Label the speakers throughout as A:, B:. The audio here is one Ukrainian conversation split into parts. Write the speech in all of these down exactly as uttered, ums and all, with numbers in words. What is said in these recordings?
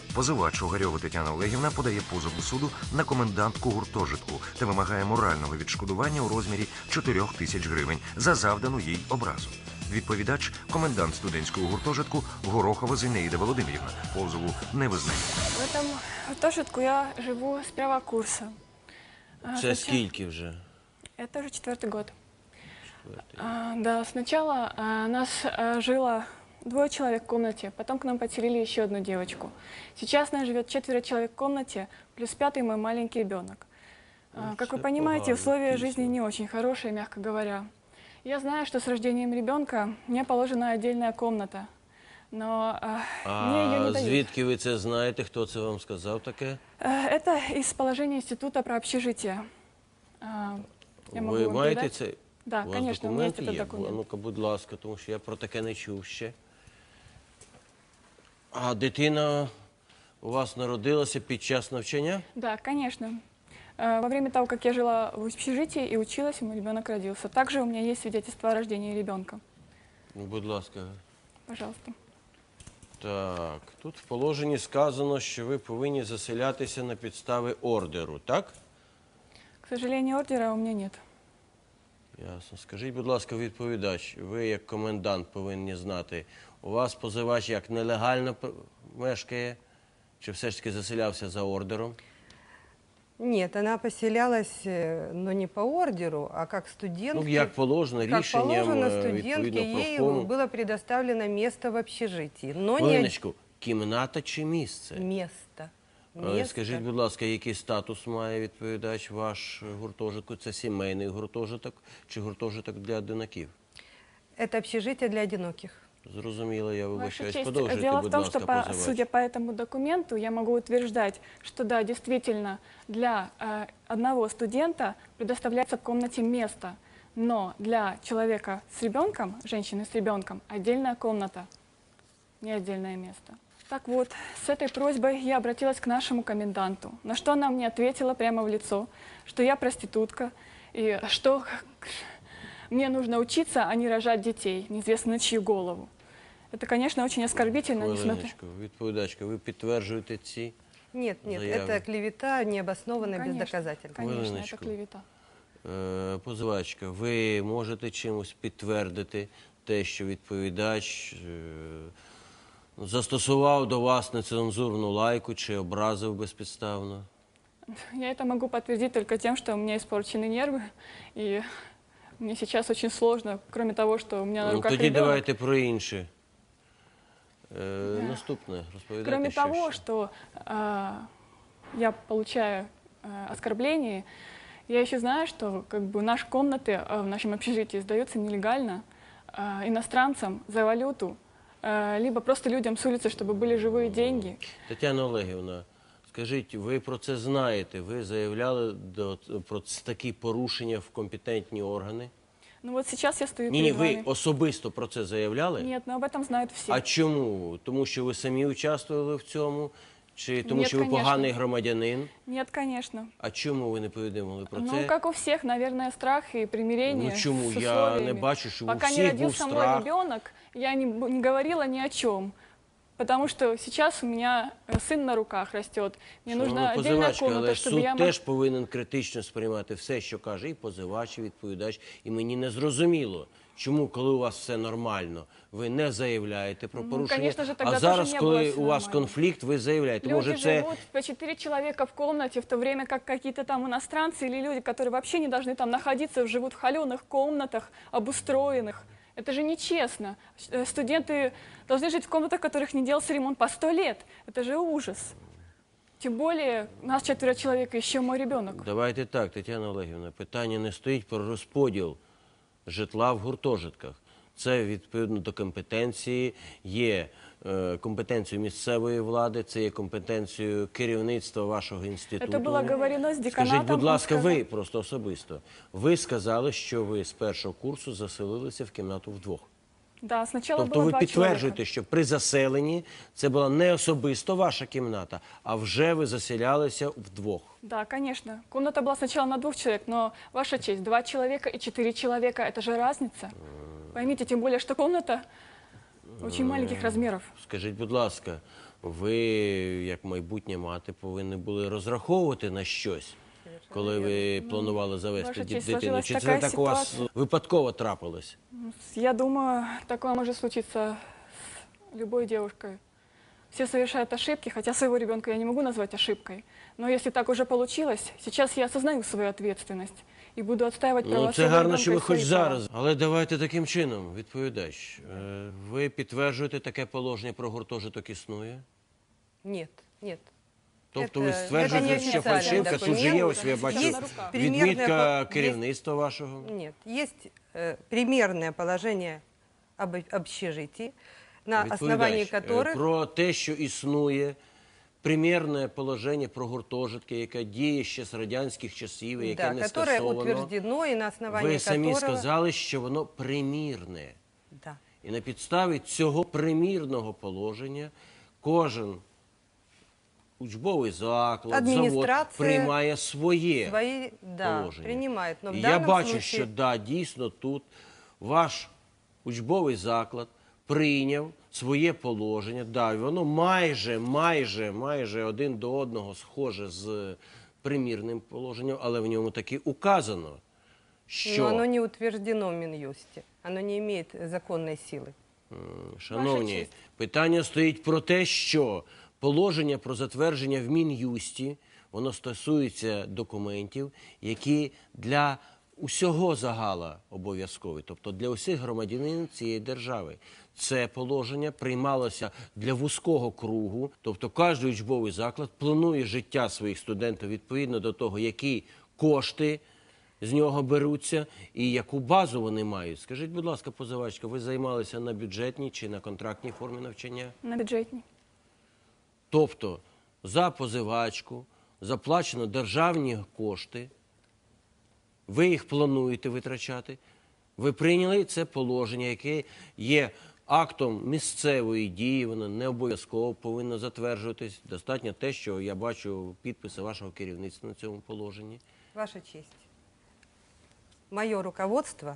A: Позивач Огарьова Тетяна Олегівна подає позов до суду на комендантку гуртожитку та вимагає морального відшкодування у розмірі чотирьох тисяч гривень за завдану їй образу. Відповідач – комендант студентського гуртожитку Горохова Зінаїда Володимирівна. Позову не визнає.
B: В этом гуртожитку я живу с первого курса. А,
C: Це
B: сначала-
C: скільки вже?
B: Это уже четвертый год.
C: Четвертий.
B: А, да, сначала а, нас а, жило двое человек в комнате, потом к нам подселили еще одну девочку. Сейчас нас живет четверо человек в комнате, плюс пятый мой маленький ребенок. А,
C: Ну,
B: как вы
C: це
B: понимаете,
C: погано,
B: условия
C: дійсно.
B: жизни не очень хорошие, мягко говоря. Я знаю, что с рождением ребенка мне положена отдельная комната, но а, мне ее не
C: А
B: дают.
C: звідки ви це знаєте? Хто це вам сказав таке?
B: Э, Это из положения института про общежитие. А, Я могу
C: Ви
B: вам
C: маєте
B: передать.
C: це?
B: Да,
C: У вас
B: конечно, у меня есть
C: документи
B: этот
C: є?
B: документ.
C: А ну-ка, будь ласка, тому що я про таке не чув ще. А дитина у вас народилася під час навчання?
B: Да, конечно. Э, Во время того, как я жила в общежитии и училась, мой ребенок родился. Также у меня есть свидетельство о рождении ребенка.
C: Ну, будь ласка.
B: Пожалуйста.
C: Так, тут в положенні сказано, що ви повинні заселятися на підстави ордеру, так?
B: К сожалению, ордера у меня нет.
C: Ясно. Скажіть, будь ласка, відповідач, ви як комендант повинні знати, у вас позивач як нелегально п- мешкає, чи все ж таки заселявся за ордером?
D: Нет, она поселялась, э, но не по ордеру, а как студентка.
C: Ну, як положено,
D: Как
C: рішенням,
D: положено,
C: е,
D: студентке
C: відповідно,
D: ей
C: профкому.
D: было предоставлено место в общежитии. Но не
C: Хвилиночку, кімната чи місце?
D: место.
C: Е,
D: Место.
C: Скажіть, будь ласка, який статус має відповідач ваш гуртожитку? Це сімейний гуртожиток чи гуртожиток для одинаків?
D: Это общежитие для одиноких.
C: Зрозуміло, я
B: Ваша
C: вибачаюсь.
B: честь,
C: Продовжуйте,
B: дело в
C: будь
B: том,
C: ласка,
B: что, по,
C: позивач.
B: судя по этому документу, я могу утверждать, что да, действительно, для э, одного студента предоставляется в комнате место, но для человека с ребенком, женщины с ребенком, отдельная комната, не отдельное место. Так вот, с этой просьбой я обратилась к нашему коменданту, на что она мне ответила прямо в лицо, что я проститутка, и что мне нужно учиться, а не рожать детей, неизвестно на чью голову. Это, конечно, очень оскорбительно, несмотря...
C: Хвилиночку, відповідачка, ви підтверджуєте ці?
D: Нет, нет,
C: Заявы.
D: это клевета необоснованная, без
B: Конечно,
D: доказательств.
B: Конечно, это
C: Хвилиночку.
B: клевета.
C: Е, Позивачка, ви можете чимось підтвердити те, що відповідач е, застосував до вас нецензурну лайку чи образив безпідставно?
B: Я это могу подтвердить только тем, что у меня испорчены нервы, и мне сейчас очень сложно, кроме того, что у меня на
C: Ну,
B: руках
C: тоді
B: ребенок.
C: давайте про інше. Е, Наступне, розповідайте,
B: Кроме
C: що
B: того,
C: ще.
B: что а, я получаю а, оскорбления, я еще знаю, что как бы наши комнаты а, в нашем общежитии сдаются нелегально а, иностранцам за валюту, а, либо просто людям с улицы, чтобы были живые деньги.
C: Тетяна Олегівна, скажіть, ви про це знаєте? Ви заявляли до, про ц- такі порушення в компетентні органи?
B: Ну вот сейчас я стою
C: Ні, ні,
B: перед
C: ви
B: вами.
C: особисто про це заявляли?
B: Нет, но об этом знают все.
C: А чому? Тому що ви самі участвували в цьому? Чи тому
B: Ні,
C: що ви
B: конечно.
C: поганий громадянин?
B: Нет, конечно.
C: А чому ви не повідомили про
B: Ну,
C: це?
B: как у всех, наверное, страх и примирение.
C: Ну, чему?
B: с
C: Я
B: условиями.
C: не бачу, что у
B: Пока не
C: всех был
B: родился мой
C: страх.
B: ребенок, я не, б- не говорила ни о чем. Потому что сейчас у меня э, сын на руках растет. Мне нужна
C: Шановна
B: отдельная
C: позивачка,
B: комната,
C: але
B: чтобы
C: суд
B: я могла...
C: теж повинен критично сприймати все, що каже і позивач, і відповідач. І мені не зрозуміло, чому, коли у вас все нормально, ви не заявляєте про
B: Ну,
C: порушення,
B: конечно же, тогда
C: а зараз,
B: тоже не
C: коли
B: было всё
C: у вас
B: нормально.
C: конфлікт, ви заявляєте.
B: Люди
C: Може, це...
B: живут по четыре человека в комнате, в то время как какие-то там иностранцы или люди, которые вообще не должны там находиться, живут в холеных комнатах, обустроенных. Это же нечестно. Э, Студенты должны жить в комнатах, в которых не делался ремонт по сто лет. Это же ужас. Тем более, нас четверо человек, и еще мой ребенок.
C: Давайте так, Тетяна Олегівна, питання не стоїть про розподіл житла в гуртожитках. Це відповідно до компетенції, є е, компетенцією місцевої влади, це є компетенцією керівництва вашого інституту.
B: Это было говорено с деканатом.
C: Скажіть, будь
B: он
C: ласка,
B: сказал-
C: ви просто особисто. Ви сказали, що ви з першого курсу заселилися в кімнату вдвох.
B: Да, сначала
C: Тобто
B: было
C: ви
B: два
C: підтверджуєте,
B: человека.
C: що при заселенні це була не особисто ваша кімната, а вже ви заселялися вдвох.
B: Да, конечно. Комната была сначала на двух человек, но, ваша честь, два человека и четыре человека – это же разница. Поймите, тем более, что комната очень маленьких размеров.
C: Скажіть, будь ласка, ви, як майбутня мати, повинні були розраховувати на щось, коли ви планували завести
B: Ваша
C: ді-
B: честь,
C: дитину.
B: сложилась
C: Чи це
B: така
C: так у вас
B: ситуація.
C: випадково трапилось?
B: Я думаю, такое может случиться с любой девушкой. Все совершают ошибки, хотя своего ребенка я не могу назвать ошибкой. Но если так уже получилось, сейчас я осознаю свою ответственность и буду отстаивать права
C: Ну, це
B: своего
C: гарно,
B: ребенка
C: що
B: и
C: ви хоч
B: свои права.
C: зараз. Але давайте таким чином, відповідач. Е, Ви підтверджуєте, таке положення про гуртожиток існує?
D: Нет, нет.
C: Тобто
D: Це-
C: ви
D: це
C: стверджуєте,
D: не
C: що
D: офіційний
C: фальшивка, тут же є,
D: документ.
C: ось я бачу,
D: Є примірне
C: відмітка
D: по-
C: керівництва вашого.
D: Нет, есть э, примерное положение об общежитии, на основании
C: Відповідач, е,
D: которых...
C: про те, що існує примірне положення про гуртожитки, яке діє ще з радянських часів, і яке
D: Да,
C: не
D: которое
C: скасовано.
D: утверждено и на основании
C: Ви самі
D: которого...
C: сказали, що воно примірне.
D: Да.
C: І на підставі цього примірного положення кожен учбовий заклад, завод
D: Адміністрація
C: приймає своє
D: Свои, да,
C: положення.
D: принимает. Но в
C: І я
D: данном
C: бачу,
D: случае...
C: що да, дійсно тут ваш учбовий заклад прийняв своє положення. Да, і воно майже, майже, майже один до одного схоже з примірним положенням, але в ньому таки указано, що...
D: Но оно не утверждено в Минюсте. Оно не имеет законной силы.
C: Шановні,
B: честь.
C: питання стоїть про те, що положення про затвердження в Мін'юсті, воно стосується документів, які для усього загала обов'язкові, тобто для усіх громадянин цієї держави. Це положення приймалося для вузького кругу, тобто кожен учбовий заклад планує життя своїх студентів відповідно до того, які кошти з нього беруться і яку базу вони мають. Скажіть, будь ласка, позивачка, ви займалися на бюджетній чи на контрактній формі навчання?
B: На бюджетній.
C: Тобто за позивачку заплачено державні кошти, ви їх плануєте витрачати, ви прийняли це положення, яке є актом місцевої дії, воно не обов'язково повинно затверджуватись. Достатньо те, що я бачу підписи вашого керівництва на цьому положенні.
D: Ваша честь. Мое руководство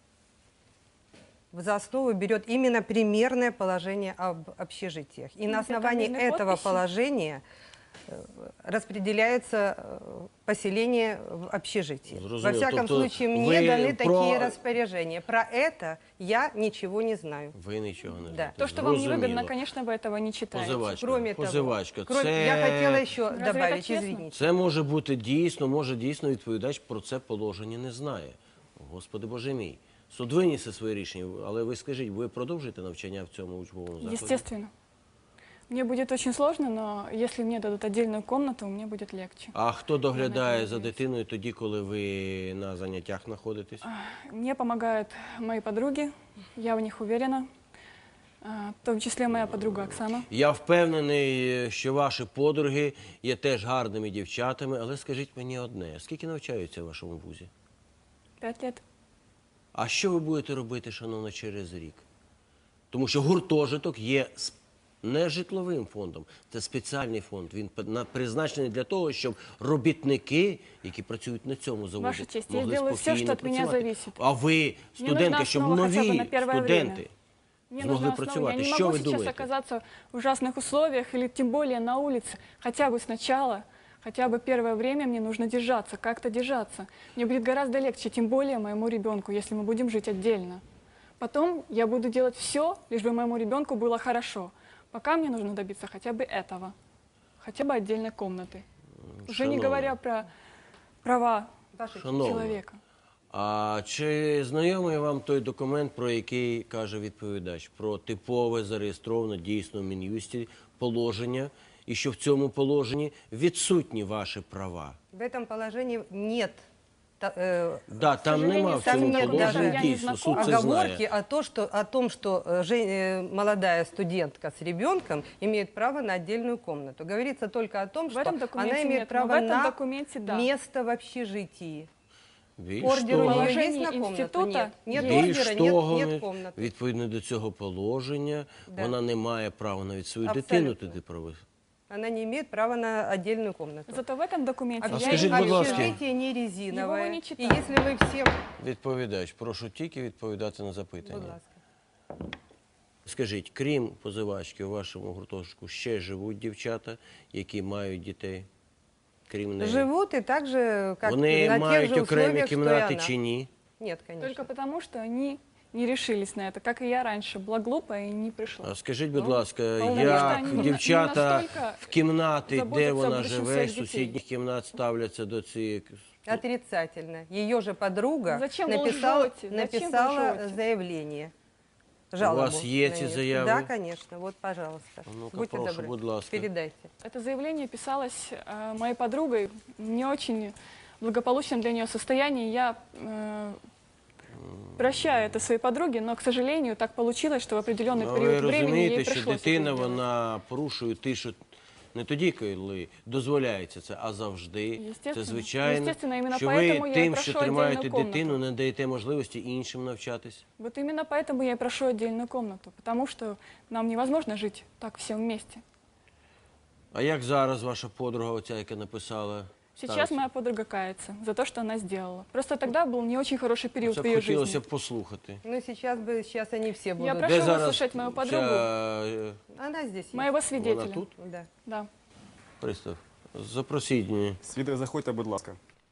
D: за основу берет именно примерное положение об общежитиях. И на
B: Где
D: основании
B: фамильные
D: этого
B: подписи?
D: положения э, распределяется э, поселение в общежитии. Во
C: Зрозуміло.
D: всяком
C: Тобто
D: случае, мне
C: ви
D: даны
C: про-
D: такие распоряжения. Про это я ничего не знаю.
C: Ви нічого не
D: Да.
C: знаєте.
B: То, что вам
C: Зрозуміло.
B: невыгодно, конечно, вы этого не читаете.
C: Позивачка,
D: Кроме того,
C: позивачка,
D: кроме-
C: це...
D: я хотела еще
B: Разве это
D: добавить,
B: честно?
D: извините.
C: Це може бути дійсно, може дійсно відповідач про це положення не знає. Господи Боже мій. Суд винісе своє рішення, але ви скажіть, ви продовжуєте навчання в цьому учбовому закладі?
B: Естественно. Мне будет очень сложно, но если мне дадут отдельную комнату, мне будет легче.
C: А хто доглядає
B: Я
C: за дитиною тоді, коли ви на заняттях знаходитесь?
B: Мне помогают мои подруги, я в них уверена, а, в том числе моя подруга Оксана.
C: Я впевнений, що ваші подруги є теж гарними дівчатами, але скажіть мені одне, скільки навчаються в вашому вузі?
B: Пять лет.
C: А що ви будете робити, шановно, через рік? Тому що гуртожиток є с- не житловим фондом, це спеціальний фонд. Він п- на- призначений для того, щоб робітники, які працюють на цьому заводі,
B: Ваша честь, я
C: могли
B: сделаю все,
C: спокійно
B: что от меня
C: працювати.
B: зависит.
C: А ви, студенти,
B: нужна
C: щоб
B: основа хотя бы
C: нові
B: на первое
C: студенти
B: время. Мне
C: змогли
B: нужна основа.
C: працювати.
B: Я не
C: Що
B: могу
C: ви
B: сейчас
C: думаєте?
B: оказаться в ужасных условиях или тем более на улице. Хотя бы сначала, хотя бы первое время мне нужно держаться, как-то держаться. Мне будет гораздо легче, тем более моему ребенку, если мы будем жить отдельно. Потом я буду делать все, лишь бы моему ребенку было хорошо. Пока мне нужно добиться хотя бы этого, хотя бы отдельной комнаты. Уже не
C: Шановна.
B: говоря про права
D: Ваша честь.
C: Шановна,
B: человека.
C: а чи знайомий вам той документ, про який каже відповідач, про типове зареєстроване дійсно в Мін'юсті положення, і що в цьому положенні відсутні ваші права?
D: В этом положении нет та- э,
C: Да, там
B: сожалению,
C: нема в
B: там
C: цьому
D: нет
C: положенні
D: даже- я не
C: дійсно, суд
B: знакома.
C: це
D: оговорки
C: знає.
D: о, то, что, о том, что э, жен- э, молодая студентка с ребенком имеет право на отдельную комнату. Говорится только о том,
B: В
D: что
B: этом документе
D: она имеет
B: нет, но
D: право
B: в этом
D: на
B: документе да.
D: место в общежитии.
C: Більш
D: Ордеру
C: того,
D: ее
B: Положение
D: есть на комнату?
B: института
D: Нет. Нет
C: більш
D: ордера, нет,
C: того,
D: нет комнаты.
C: відповідно до цього положення,
D: Да.
C: вона не має права навіть свою
D: Абсолютно.
C: дитину туди провести.
D: Она не имеет права на отдельную комнату.
B: Зато в этом документе
C: А
B: я
C: скажите,
B: имею
C: будь ласка.
B: право.
D: Общежитие не резиновое.
B: Его вы не
D: И
B: читали.
D: если вы всем...
C: Відповідач, прошу тільки відповідати на
D: Будь
C: запитання.
D: ласка.
C: Скажіть, крім позивачки, у вашому гуртожитку ще живуть дівчата, які мають дітей? Крім неї?
D: Живут и так же, как
C: Вони
D: на тех
C: мають
D: же
C: окремі
D: условиях, что и
C: кімнати
D: она.
C: чи ні?
D: Нет, конечно.
B: Только потому, что они не решились на это, как и я раньше. Была глупая и не пришла.
C: А скажіть, будь
B: Ну,
C: ласка,
B: потому
C: як
B: що вони не-
C: дівчата
B: не настільки
C: в кімнати, де
B: заботяться
C: вона
B: про
C: живе,
B: своїх
C: з
B: дітей.
C: сусідніх кімнат ставляться до цієї...
D: Отрицательно. Ее же подруга
B: Зачем вы
D: написала,
B: лжете? Зачем вы
D: написала
B: лжете?
D: заявление. Жалобу
C: вас есть
D: на
C: эти
D: неё.
C: заявы?
D: Да, конечно. Вот, пожалуйста.
C: Ну-ка,
D: Будьте
C: прошу,
D: добры,
C: будь ласка.
D: передайте.
B: Это заявление писалось э, моей подругой в не очень благополучном для нее состоянии. Я э, прощаю это своей подруге, но, к сожалению, так получилось, что в определенный
C: Ну, ви
B: период времени
C: розумієте,
B: ей
C: що
B: пришлось
C: дитина,
B: это сделать.
C: вона порушує тишу не тоді, коли дозволяється це, а завжди. Це
B: Естественно.
C: звичайно,
B: Естественно, іменно
C: що
B: поэтому
C: ви
B: я і
C: тим,
B: прошу
C: що тримаєте
B: отдельну комнату.
C: дитину, не даєте можливості іншим навчатись.
B: Вот именно поэтому я и прошу отдельную комнату, потому что нам невозможно жить так всем вместе.
C: А як зараз ваша подруга, оця, яка написала?
B: Сейчас
C: ставиться?
B: моя подруга кается за то, что она сделала. Просто тогда был не очень хороший период
C: Це
B: в
C: б
B: ее
C: хотілося
B: жизни.
C: б послухати.
D: Ну, сейчас бы, сейчас они все
B: Я
D: будут.
B: прошу
C: Де зараз
B: выслушать мою подругу,
C: ця, е,
D: Она здесь есть.
B: моего свидетеля.
C: вона тут?
D: Да.
B: Да.
C: Пристав, запросіть її.
E: Свідок, заходьте, будь ласка.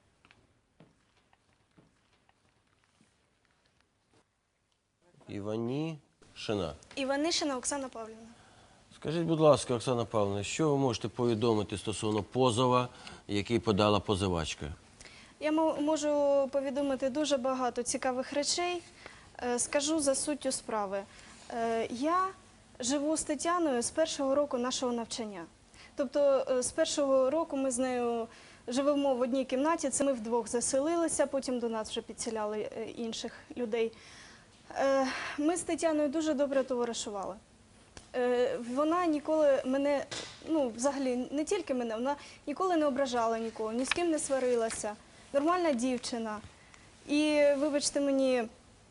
C: Іванішина.
F: Іванишина Оксана Павлівна.
C: Скажіть, будь ласка, Оксана Павловна, що ви можете повідомити стосовно позова, який подала позивачка?
F: Я мо- можу повідомити дуже багато цікавих речей. Е, Скажу за суттю справи. Е, Я живу з Тетяною з першого року нашого навчання. Тобто е, з першого року ми з нею живемо в одній кімнаті, це ми вдвох заселилися, потім до нас вже підселяли е, інших людей. Е, Ми з Тетяною дуже добре товаришували. Е, Вона ніколи мене, ну взагалі не тільки мене, вона ніколи не ображала нікого, ні з ким не сварилася. Нормальна дівчина. І вибачте мені,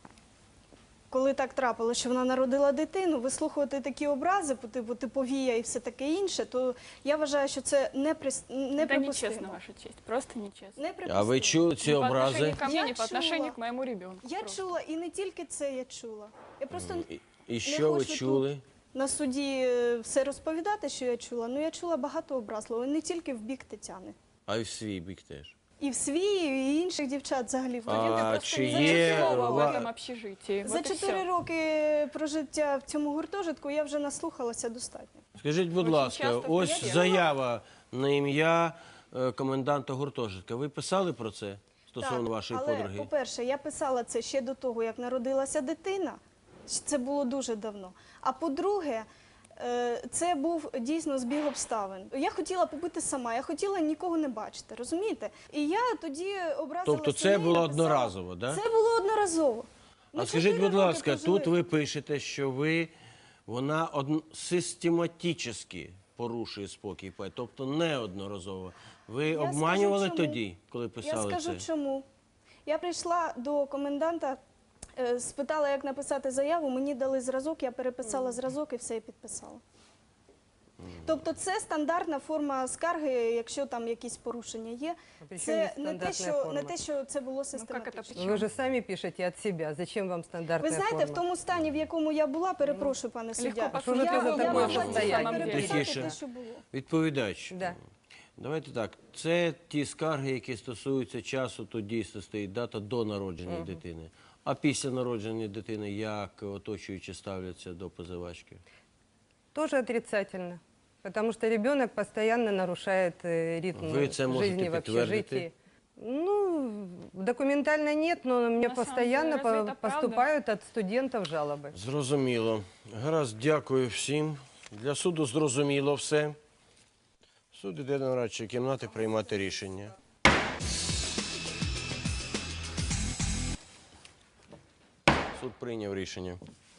F: коли так трапилося, що вона народила дитину, вислухувати такі образи, по типу типовія і все таке інше, то я вважаю, що це неприс-
B: Это нечестно,
F: неприпустимо.
B: ваша честь. Просто нечестно.
F: Неприпустимо.
C: А ви чули ці
B: Ни по
C: образи?
B: отношению ко мне,
F: Я
B: ни по отношению
F: чула.
B: к моему ребенку.
F: Я
B: Просто.
F: чула, і не тільки це я чула. Я просто
C: І, і що ви
F: хочу
C: чули?
F: на суді е, все розповідати, що я чула. Ну я чула багато образливого, не тільки в бік Тетяни.
C: А й в свій бік теж.
F: І в свій, і інших дівчат взагалі. в
C: А
F: родині.
B: Студенты просто
C: чи
B: не знают
C: є
B: слова в
C: ва-
B: этом общежитии.
F: За
B: Вот и
F: чотири
B: всё.
F: роки прожиття в цьому гуртожитку я вже наслухалася достатньо.
C: Скажіть, будь
B: Очень
C: ласка,
B: часто
C: ось
B: приємно.
C: заява на ім'я е, коменданта гуртожитка. Ви писали про це стосовно вашої
F: але,
C: подруги?
F: по-перше, я писала це ще до того, як народилася дитина. Це було дуже давно. А по-друге, е, це був дійсно збіг обставин. Я хотіла побити сама, я хотіла нікого не бачити, розумієте? І я тоді образилася.
C: Тобто це
F: на неї,
C: було
F: написала-
C: одноразово, да?
F: Це було одноразово.
C: А
F: Ми
C: скажіть,
F: чотири
C: будь
F: роки
C: ласка,
F: прожили.
C: тут ви пишете, що ви, вона од... систематично порушує спокій, пай, тобто неодноразово. Ви
F: Я
C: обманювали
F: скажу, чому.
C: тоді, коли
F: Я
C: писали
F: скажу
C: це?
F: чому. Я прийшла до коменданта, е, спитала, як написати заяву, мені дали зразок, я переписала зразок і все і підписала. Тобто це стандартна форма скарги, якщо там якісь порушення є.
D: А при чому
F: Це
D: тут
F: не те,
D: стандартна
F: що,
D: форма?
F: не те, що це було
B: Ну, как это
F: систематично.
B: почему?
D: Вы же сами пишете от себя. Зачем вам
F: Ви
D: стандартная
F: знаєте,
D: форма?
F: в тому стані, в якому я була, перепрошую, пане суддя,
B: Легко
D: що ж це
F: я,
D: за
F: я
D: таке
F: могла
D: состояние?
F: тільки переписати
C: Тихіше.
F: те, що було.
C: Відповідач.
D: Да.
C: Давайте так. Це ті скарги, які стосуються часу, тут дійсно стоїть дата до народження дитини. А після народження дитини як оточуючі ставляться до позивачки?
D: Тоже отрицательно. Потому что ребенок постоянно нарушает э, ритм
C: Вы это можете
D: жизни в
C: подтвердить?
D: общежитии. Ну, документально нет, но мне
B: На самом
D: постоянно
B: деле, разве
D: по-
B: это правда?
D: поступают от студентов жалобы.
C: Зрозуміло. Гаразд, дякую всім. Для суду зрозуміло все. Суд іде до нарадчої кімнати приймати рішення. Суд прийняв рішення.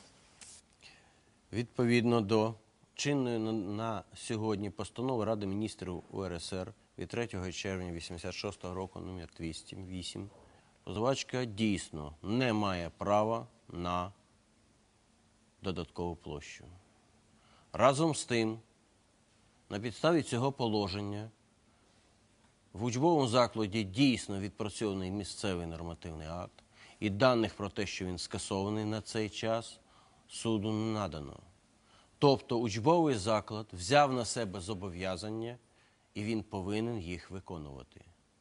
C: Відповідно до чинної на, на сьогодні постанови Ради міністрів У Ер Ес Ер від третього червня вісімдесят шостого року, номер двісті вісім, позивачка дійсно не має права на додаткову площу. Разом з тим, на підставі цього положення в учбовому закладі дійсно відпрацьований місцевий нормативний акт і даних про те, що він скасований на цей час, суду не надано. Тобто учбовий заклад взяв на себе зобов'язання, і він повинен їх виконувати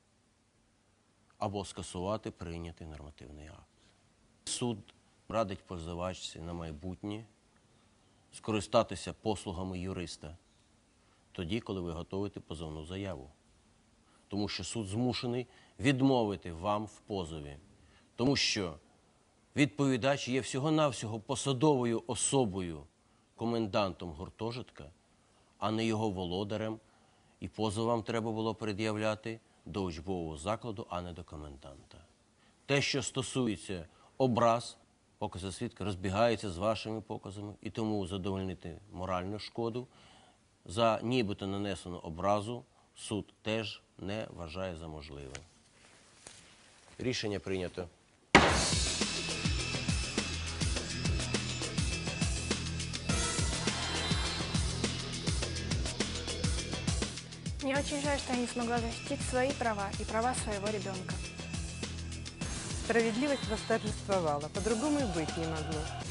C: або скасувати прийнятий нормативний акт. Суд радить позивачці на майбутнє скористатися послугами юриста тоді, коли ви готуєте позовну заяву. Тому що суд змушений відмовити вам в позові. Тому що відповідач є всього-навсього посадовою особою, комендантом гуртожитка, а не його володарем, і позов вам треба було пред'являти до учбового закладу, а не до коменданта. Те, що стосується образ, покази свідка розбігаються з вашими показами, і тому задовольнити моральну шкоду за нібито нанесену образу суд теж не вважає за можливе. Рішення прийнято.
B: Мне очень жаль, что я не смогла защитить свои права и права своего ребенка.
D: Справедливость восторжествовала, по-другому и быть не могло.